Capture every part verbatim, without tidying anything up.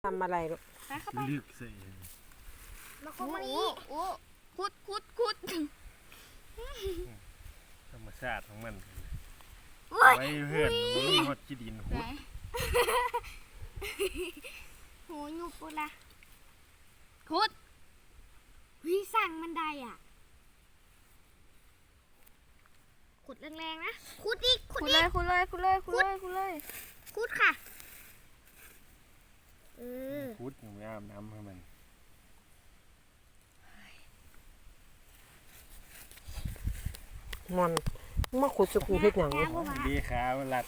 ำอะไรลูกลึกใส่มาคุดมานี่โอ้คุดคุดคุดธรรมชาติของมันไว้เพื่อนมันมีฮอดขี้ดินหุดโหยุบปุ๊ละคุดวิสั่งมันได้อ่ะขุดแรงๆนะขุดอีกขุดเลยขุดเลยขุดเลยขุดเลยขุดเลยขุดค่ะเออขุดอย่างไม่อาบน้ำให้มันมันมาขุดสกูเฮ็ดหยังดีขามันลัด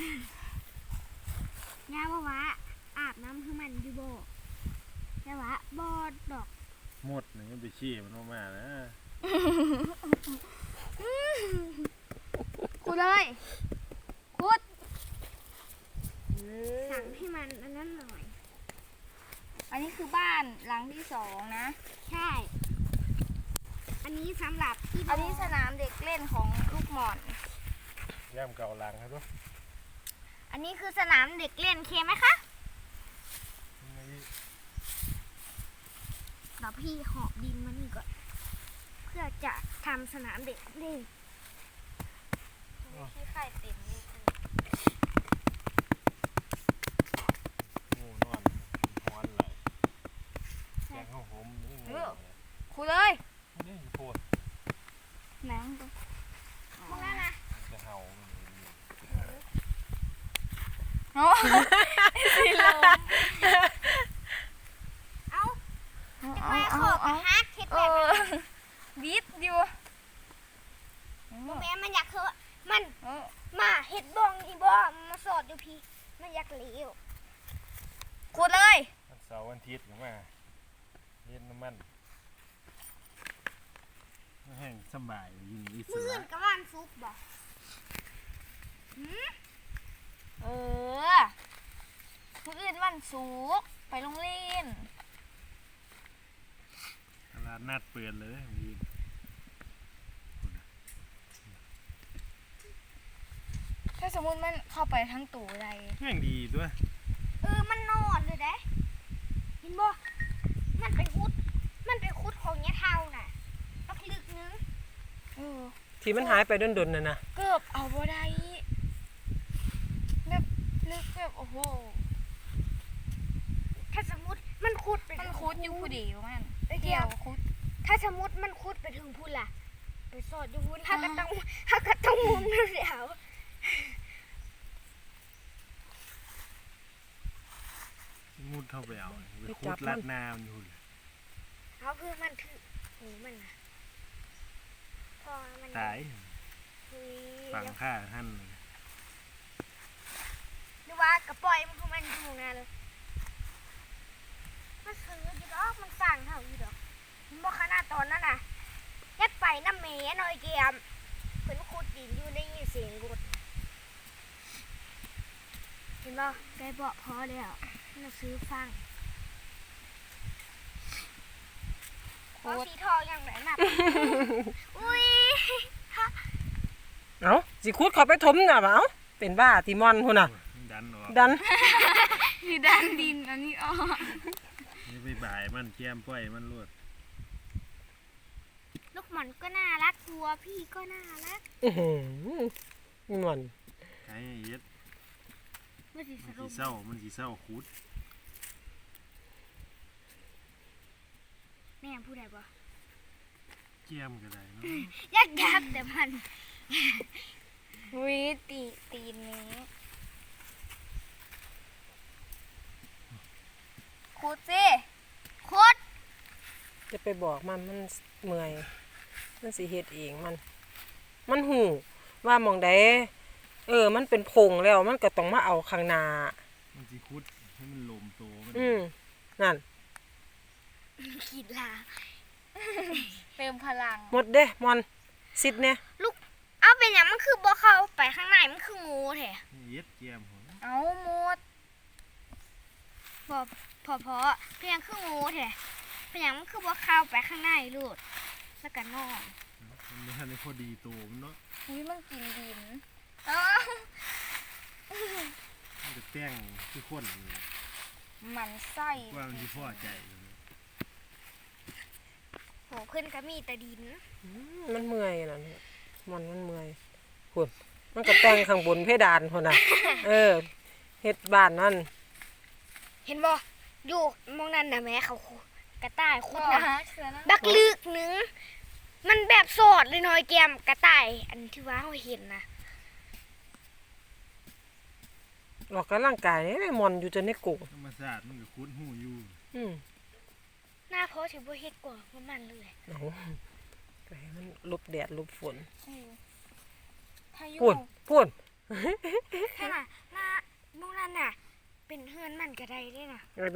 ย่าว่าว่าอาบน้ำให้มันอยู่บ่ย่าว่าบ่ดอกหมดหนึ่งไปชี้มันออกมานะขุดเลยขุดสั่งให้มันอันนั้นหน่อยอันนี้คือบ้านหลังที่สองนะใช่อันนี้สำหรับที่อันนี้สนามเด็กเล่นของลูกหม่อนย่ามเก่าหลังครับทุกอันนี้คือสนามเด็กเล่นเคไหมคะเดี๋ยวพี่หอบดินมานี่ก่อนเพื่อจะทำสนามเด็กเล่นที่ไข่เต็มเลยงูนอนหอนไหลแกงข้าวหอมนี่งูคูเลยนี่โคตรแมงตัวมึงนั่นนะจะเห่าโอ้สีลมเอาจะไปขอบฮักเห็ดแบบบีบอยู่แม่มันอยากคือมันมาเห็ดบองอีบอมาสอดอยู่พี่มันอยากเหลวขุดเลยวันเสาร์วันอาทิตย์หรือว่าเล่นน้ำมันแห้งสบายยินอิสระมื่นกับวันซุปบ่เออมื่ออื่นวันศุกร์ไปโรงเรียนตลาดนัดเปิดเลยมีถ้าสมมติมันเข้าไปทั้งตู้อะไรแห้งดีด้วยเออมันนอนเลยได้เห็นบ่มันไปคุดมันไปคุดของเนี้ยเท่าน่ะปักลึกนึงเออที่มันหายไปดนๆน่ะนะเกือบเอาบ่ได้แบบลึกแบบโอ้โหถ้าสมมติมันคุดไปมันคุดอยู่ผู้เดียวมันเดียวคุดถ้าสมมติมันคุดไปถึงพุ่นล่ะไปสอดอยู่พุ่นถ้าก็ต้องถ้าก็ต้องมุมนั่นเดียวมุดเข้าไปเอาไปคุดลัดน้ำอยู่เอาเพื่อมันถือหูมันนะพอมันตายฝังฆ่าท่านหรือว่ากระปล่อยมันคือมันอยู่ไงเลยมันซื้ออยู่ดอกมันสั่งเท่าอยู่ดอกมันบอกขนาดตอนนั้นน่ะยัดไปน้ำเมย์หน่อยเกียมเพิ่นขุดดินอยู่ได้ยินเสียงกดเห็นบ่ได้บอกพอแล้วเราซื้อฟังโคตรสีทองอย่างไรน่ะอุ้ยเอ้าสิขุดเข้าไปถมน่ะเอ้าเป็นบ้าติมอนพุ่นน่ะดันออกดันนี่ดันดินอันนี้ออกนี่ไปบ่ายมันแก้มป้อยมันรวดลูกหม่อนก็น่ารักตัวพี่ก็น่ารักอื้อหือมันไอ้เย็ดมันสีเศร้ามันสีเศร้าคุดแม่พูดได้ปะเจียมก็ได้เนาะยากยักแต่มันวิตีตีนี้ขุดสิขุดจะไปบอกมันมันเมื่อยมันสิเฮ็ดเองมันมันหูว่ามองใดเออมันเป็นพงแล้วมันก็ต้องมาเอาข้างหน้ามันสิขุดให้มันลมโตอืมนั่นขีดลาเติมพลังหมดเด้มอนซิดเนี่ยลูกเอาเป็นอย่างมันคือบ่เข้าไปข้างในมันคืองูแท้เย็ดเจียมเอาหมดพอพอพอเพียงคืองูแท้เป็นอย่างมันคือบ่เข้าไปข้างในลูกแล้วก็นอนมันไม่ทันได้พอดีโตมันเนาะอุ้ยมันกินดินมันจะแต้งที่ข้นมันไส้ว่ามันสิพอใจอยู่โหขึ้นก็มีแต่ดินอืมมันเมื่อยน่ะเนี่ยมันมันเมื่อยพุ่นมันก็แต่งข้างบนเพดานพุ่นน่ะ เออเฮ็ดบ้านมันเห็นบ่อยู่มองนั่นน่ะแม่เขากระต่ายคุดอ๋อนะฮะเชื่อนะบักลึกหนึงมันแบบสอดเลยน้อยแกมกระต่าย อันที่ว่าเราเห็นนะออกกำลังกายนี่ได้มอนอยู่จนในโกธรรมชาติมันก็คุ้นหูอยู่อืมหน้าเพราะสิบ่เฮ็ดกว่ามันมันเลยเอาไปให้มันหลบแดดหลบฝนเออพายุพุ่นพุ่นถ้าน่ะหน้ามองนั่นน่ะ เป็นเฮือนมันก็ได้เด้น่ะ